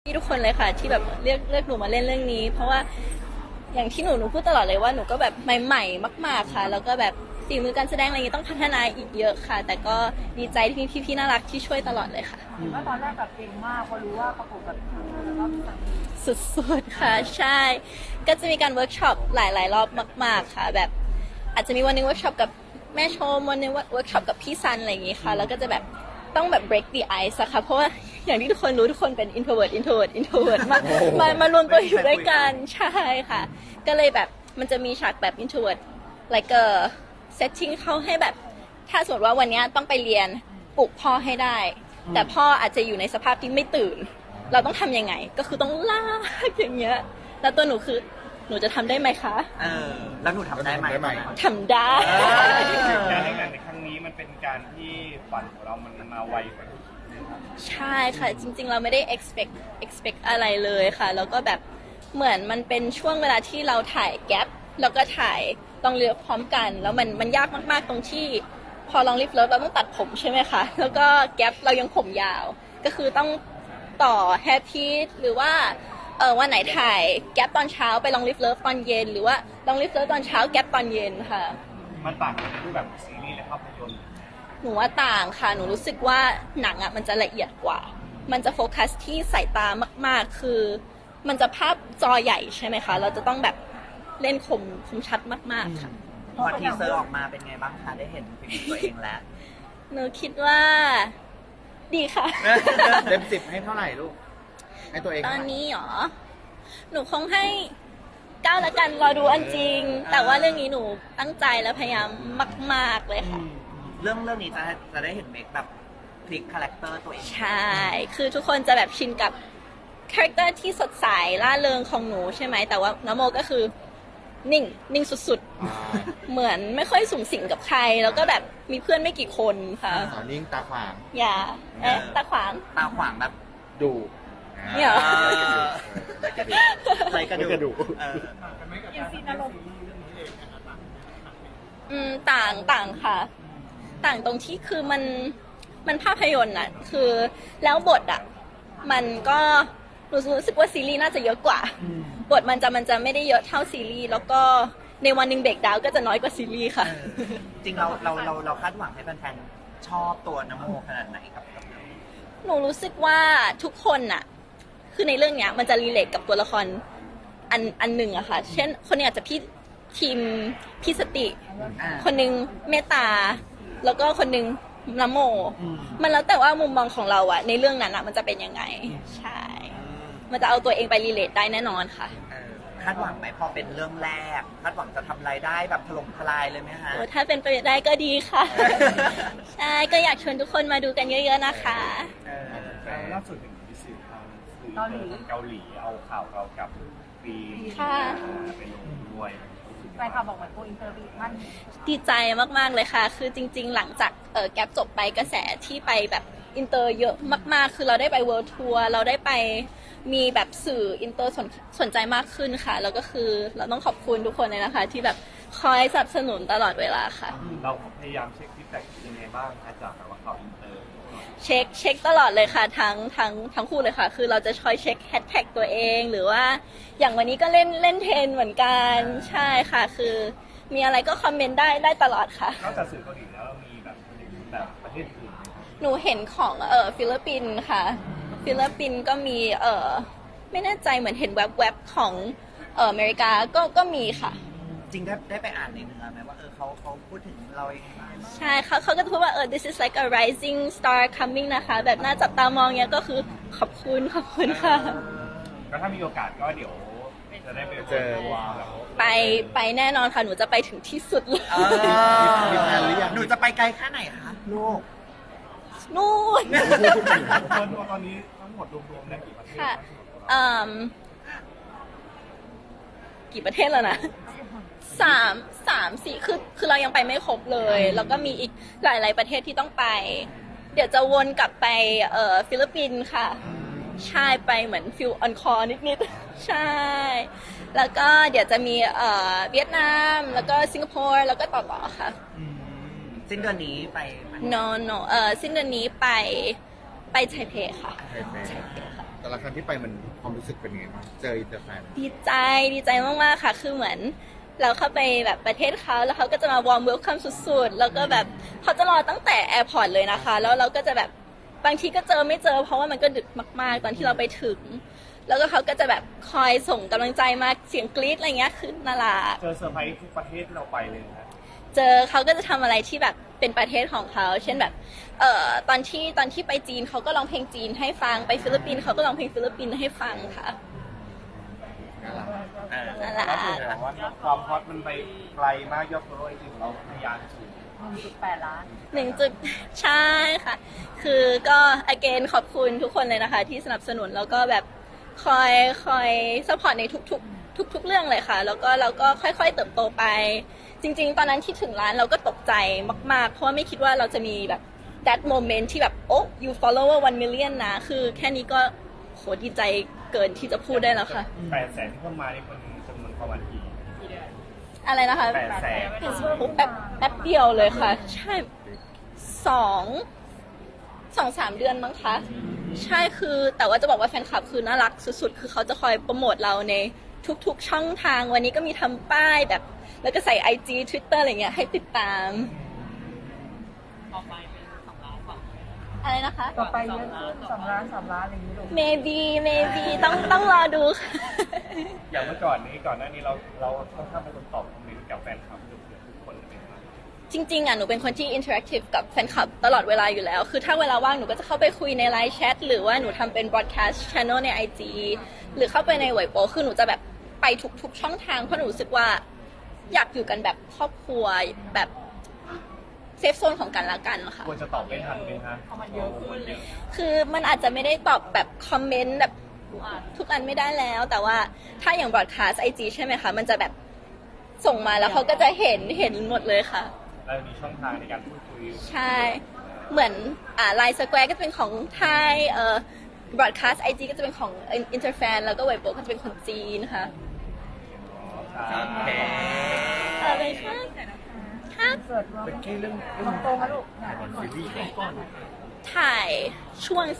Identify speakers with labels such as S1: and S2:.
S1: ทุกคนเลยค่ะที่แบบเลือกหนูมาเล่นเรื่องนี้เพราะว่าอย่างที่หนูพูดตลอดเลยว่าหนูก็แบบใหม่ๆมากๆค่ะแล้วก็แบบฝีมือการแสดงอะไรอย่างนี้ต้องพัฒนาอีกเยอะค่ะ แต่ก็ดีใจที่มีพี่ๆน่ารักที่ช่วยตลอดเลยค่ะ
S2: เห็นว่าตอนแรกแบบเก่งมากพอรู้ว่าประกบกับแล้วก็มีสามี
S1: สุดๆค่ะใช่ก็จะมีการเวิร์กช็อปหลายๆรอบมากๆค่ะแบบอาจจะมีวันนึงเวิร์กช็อปกับแม่ชมวันนึงเวิร์กช็อปกับพี่ซันอะไรอย่างงี้ค่ะแล้วก็จะแบบต้องแบบ break the ice อะค่ะเพราะว่าอย่างที่ทุกคนรู้ทุกคนเป็น introvert มารวมตัวอยู่ด้วยกันใช่ค่ะก็เลยแบบมันจะมีฉากแบบ introvert like a setting เข้าให้แบบถ้าสมมติว่าวันนี้ต้องไปเรียนปลุกพ่อให้ได้แต่พ่ออาจจะอยู่ในสภาพที่ไม่ตื่นเราต้องทำยังไงก็คือต้องลากอย่างเงี้ยแล้วตัวหนูคือหนูจะทำได้ไหมคะ
S3: แล้วหนูทำได้ไหม
S1: ทำได้
S4: การเล่นหนังในครั้งนี้มันเป็นการที่ฝันของเรามันมาไวกว่า
S1: ใช่ค่ะจริงๆเราไม่ได้ expect อะไรเลยค่ะแล้วก็แบบเหมือนมันเป็นช่วงเวลาที่เราถ่ายแก๊ปแล้วก็ถ่ายลองเลือกพร้อมกันแล้วมันยากมากๆตรงที่พอลองลิฟเลิฟเราต้องตัดผมใช่ไหมคะแล้วก็แก๊ปเรายังผมยาวก็คือต้องต่อแฮปปี้หรือว่าวันไหนถ่ายแก๊ปตอนเช้าไปลองลิฟเลิฟตอนเย็นหรือว่าลองลิฟเลิฟตอนเช้าแก๊ปตอนเย็นค่ะ
S4: มันต่างกันในรูปแบบซีรีส์และภาพยนตร์
S1: หนูว่าต่างค่ะหนูรู้สึกว่าหนังอ่ะมันจะละเอียดกว่ามันจะโฟกัสที่สายตามากๆคือมันจะภาพจอใหญ่ใช่ไหมคะเราจะต้องแบบเล่นคมชัดมากๆค่ะ
S3: พอทีเซอร์ออกมาเป็นไงบ้างคะได้เห็นฝีมือตัวเองแล้ว
S1: หนูคิดว่าดีค่ะ
S5: เต็ม10ให้เท่าไหร่ลูกให้ตัวเอง
S1: ตอนนี้หรอหนูคงให้9ละกันรอดูอันจริงแต่ว่าเรื่องนี้หนูตั้งใจและพยายามมากๆเลยค่ะ
S3: เรื่องนี้จะได้เห็นเมคแบบพลิกคาแรคเตอร์ตัวเอง
S1: ใช่คือทุกคนจะแบบชินกับคาแรคเตอร์ที่สดใสล่าเริงของหนูใช่ไหมแต่ว่าน้ำโมก็คือนิ่งสุดๆเหมือนไม่ค่อยสูงสิงกับใครแล้วก็แบบมีเพื่อนไม่กี่คนค่ะ
S5: สาวนิ่งตาขวาง
S1: อย่าตาขวาง
S3: ตาขวางแบบ
S5: ดู
S1: เนี่ย
S3: ไรกระดูก
S2: อินซีนอารมณ์
S1: ต่างค่ะต่างตรงที่คือมันภาพยนตร์น่ะคือแล้วบทอ่ะมันก็รู้สึกว่าซีรีส์น่าจะเยอะกว่าบทมันจะไม่ได้เยอะเท่าซีรีส์แล้วก็ในวันหนึ่งเบรกดาวน์ก็จะน้อยกว่าซีรีส์ค่ะ
S3: จริงเราคาดหวังให้แฟนๆชอบตัวน้ำโมขนาดไหนครับ
S1: หนูรู้สึกว่าทุกคนน่ะคือในเรื่องเนี้ยมันจะรีเลทกับตัวละครอันหนึ่งอะค่ะเช่นคนนี้อาจจะทีมพี่สติคนหนึ่งเมตตาแล้วก็คนหนึ่งน้ำโมมันแล้วแต่ว่ามุมมองของเราอะในเรื่องนั้นอะมันจะเป็นยังไงใช่มันจะเอาตัวเองไปรีเลทได้แน่นอนค่ะ
S3: คาดหวังไหมพอเป็นเรื่องแรกคาดหวังจะทำรายได้แบบถล่มทลายเลยไหมคะ
S1: ถ้าเป็นไปได้ก็ดีค่ะใช่ก็อยากชวนทุกคนมาดูกันเยอะๆนะคะ
S4: ล่าสุดเห็นพิสิทธิ์ทางเกาหลีเอาข่าวเรากับปีไปลงด้วย
S2: แฟนคลับบอกเหมือนโกอินเตอร์ท่าน
S1: ดีใจมากๆเลยค่ะคือจริงๆหลังจากแก๊ปจบไปกระแสที่ไปแบบอินเตอร์เยอะมากๆคือเราได้ไปเวิลด์ทัวร์เราได้ไปมีแบบสื่ออินเตอร์สนใจมากขึ้นค่ะแล้วก็คือเราต้องขอบคุณทุกคนเลยนะคะที่แบบคอยสนับสนุนตลอดเวลาค่ะ
S4: เราพยายามเช็คฟีดแบ็กยังไงบ้างคะจากแบบว่าข่าวอินเตอร์
S1: เช็คตลอดเลยค่ะทั้งคู่เลยค่ะคือเราจะคอยเช็คแฮชแท็กตัวเองหรือว่าอย่างวันนี้ก็เล่นเทรนเหมือนกันใช่ค่ะคือมีอะไรก็คอมเมนต์ได้ตลอดค่ะ
S4: นอกจากสื่อเกาหลีแล้วเรามีแบบประเทศอื่นไหมครับ
S1: หนูเห็นของฟิลิปปินส์ค่ะฟิลิปปินส์ก็มีไม่แน่ใจเหมือนเห็นแวบๆของอเมริกาก็มีค่ะ
S3: จริงได้ไปอ่านในเนื้อไหมว่าเขาพูดถึงเรายังไงบ้าง
S1: ใช่เขาก็จะพูดว่าthis is like a rising star coming นะคะแบบน่าจับตามองเนี้ยก็คือขอบคุณค่ะ
S4: ก็ถ้ามีโอกาสก็เดี๋ยวจะได้ไปเจอ
S1: ไปแน่นอนค่ะหนูจะไปถึงที่สุดเลย
S5: มีแฟนหรือยัง
S3: หนูจะไปไกลแค่ไหนคะลูก
S1: นู่น
S4: ตอนนี้ทั้งหมดรวมๆได้กี่ประเทศ
S1: ค่ะกี่ประเทศแล้วนะ3-4คือเรายังไปไม่ครบเลยแล้วก็มีอีกหลายๆประเทศที่ต้องไปเดี๋ยวจะวนกลับไปฟิลิปปินส์ค่ะใช่ไปเหมือนฟิลออนคอร์นิดๆใช่แล้วก็เดี๋ยวจะมีเวียดนามแล้วก็สิงคโปร์แล้วก็ต่อค่ะ
S3: สิ้นเดือนนี้ไป
S1: no สิ้นเดือนนี้ไปไทเปค่ะไทเปค่ะ
S5: แต่ละครั้งที่ไปมันความรู้สึกเป็นยังไงบ้างเจออินเตอร์แฟน
S1: ดีใจมากๆค่ะ คือเหมือนเราเข้าไปแบบประเทศเขาแล้วเขาก็จะมาวอร์มเวลคัมสุดๆ แล้วก็แบบเขาจะรอตั้งแต่แอร์พอร์ตเลยนะคะ แล้วเราก็จะแบบบางทีก็เจอไม่เจอ เพราะว่ามันก็ดึกมากๆ ตอนที่เราไปถึง แล้วก็เขาก็จะแบบคอยส่งกำลังใจมาเสียงกรี๊ดอะไรเงี้ยคือน่ารัก
S4: เจอเซอร์ไพรส์ทุกประเทศที่เราไปเลยนะ
S1: เจอเขาก็จะทำอะไรที่แบบเป็นประเทศของเขา เช่นแบบตอนที่ไปจีนเขาก็ร้องเพลงจีนให้ฟัง ไปฟิลิปปินส์เขาก็ร้องเพลงฟิลิปปินส์ให้ฟังค่ะ นั่นแหละ
S4: ก็คือแบบว่าความฮอตมันไปไกลมากยอดฟอลโล่จริงๆเราพยายามสูง
S2: 1.8 ล้าน
S1: ใช่ค่ะ คือก็ again ขอบคุณทุกคนเลยนะคะ ที่สนับสนุนแล้วก็แบบคอยซัพพอร์ตในทุกเรื่องเลยค่ะ แล้วก็เราก็ค่อยๆเติบโตไป จริงๆ ตอนนั้นที่ถึงร้านเราก็ตกใจมากๆ เพราะว่าไม่คิดว่าเราจะมีแบบ that moment ที่แบบโอ้ you follower 1 million นะ คือแค่นี้ก็โหดีใจเกินที่จะพูดได้แล้วค่ะ
S4: 800,000ที่เข้ามานี่คนจำนวนประมาณกี่
S1: อะไรนะคะ
S4: 800,000
S1: แป๊บเดียวเลยค่ะ ใช่สองสามเดือนมั้งคะ ใช่คือแต่ว่าจะบอกว่าแฟนคลับคือน่ารักสุดๆ คือเขาจะคอยโปรโมทเราในทุกๆช่องทางวันนี้ก็มีทำป้ายแบบ แล้วก็ใส่ IG Twitter อะไรเงี้ยให้ติดตาม
S2: ต่อไปเป็น2 ล้านกว่า
S1: อะไรนะคะ
S2: ต่อไปเยอะขึ้น2 ล้าน 3 ล้านอะไรอย่างนี้ลูก
S1: maybe ต้องรอดูค่ะ
S4: อย่างเมื่อก่อนหน้านี้เราค่อนข้างเป็นคนตอบคอมเมนต์กับแฟนคลับเกือบทุกคนเลยนะครับ
S1: จริงๆอ่ะหนูเป็นคนที่ interactive กับแฟนคลับตลอดเวลาอยู่แล้ว คือถ้าเวลาว่างหนูก็จะเข้าไปคุยในไลน์แชทหรือว่าหนูทำเป็น broadcast channel ใน IG หรือเข้าไปในเว็บโปคือหนูจะแบบไปทุกช่องทางเพราะหนูรู้สึกว่าอยากอยู่กันแบบครอบครัวแบบเซฟโซนของกันและกันค่ะ
S4: ควรจะตอบไม่ทันไหมคะ
S2: มันเยอะขึ้น
S1: คือมันอาจจะไม่ได้ตอบแบบคอมเมนต์แบบทุกอันไม่ได้แล้ว แต่ว่าถ้าอย่าง broadcast IG ใช่ไหมคะ มันจะแบบส่งมาแล้วเขาก็จะเห็นหมดเลยค่ะ
S4: เรามีช่องทางในการพูดคุย
S1: ใช่ เหมือนไลน์สแควร์ก็จะเป็นของไทยbroadcast IG ก็จะเป็นของ Interfan แล้วก็เว็บโก็จะเป็นของจีนค่ะ
S3: โอเค
S1: อะไรคะค่ะ
S2: เกิดว่า
S5: เป็นแค่เรื่อง
S2: โตมาลูก
S5: ซีรีส์
S1: ถ่ายช่วง